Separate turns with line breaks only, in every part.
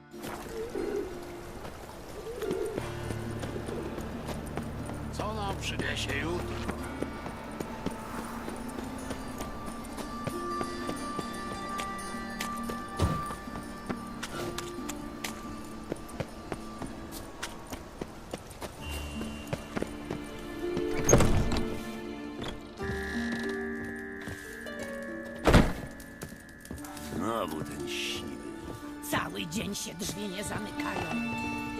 Co nam przyniesie jutro?
Znowu ten siwy.
Cały dzień się drzwi nie zamykają.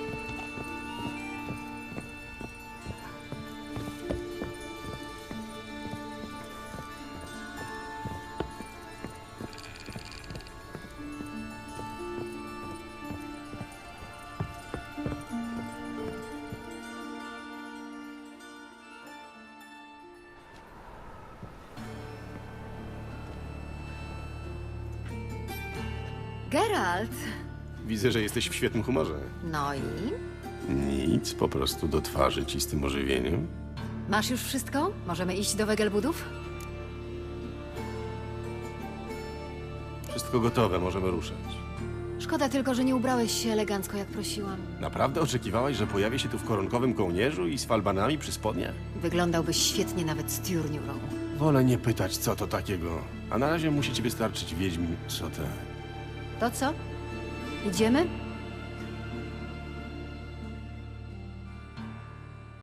Geralt!
Widzę, że jesteś w świetnym humorze.
No i?
Nic, po prostu do twarzy ci z tym ożywieniem.
Masz już wszystko? Możemy iść do Wegelbudów?
Wszystko gotowe, możemy ruszać.
Szkoda tylko, że nie ubrałeś się elegancko, jak prosiłam.
Naprawdę oczekiwałaś, że pojawię się tu w koronkowym kołnierzu i z falbanami przy spodniach?
Wyglądałbyś świetnie nawet z tiurniurą.
Wolę nie pytać, co to takiego. A na razie musi ci wystarczyć wiedźmin, co te...
To co? Idziemy?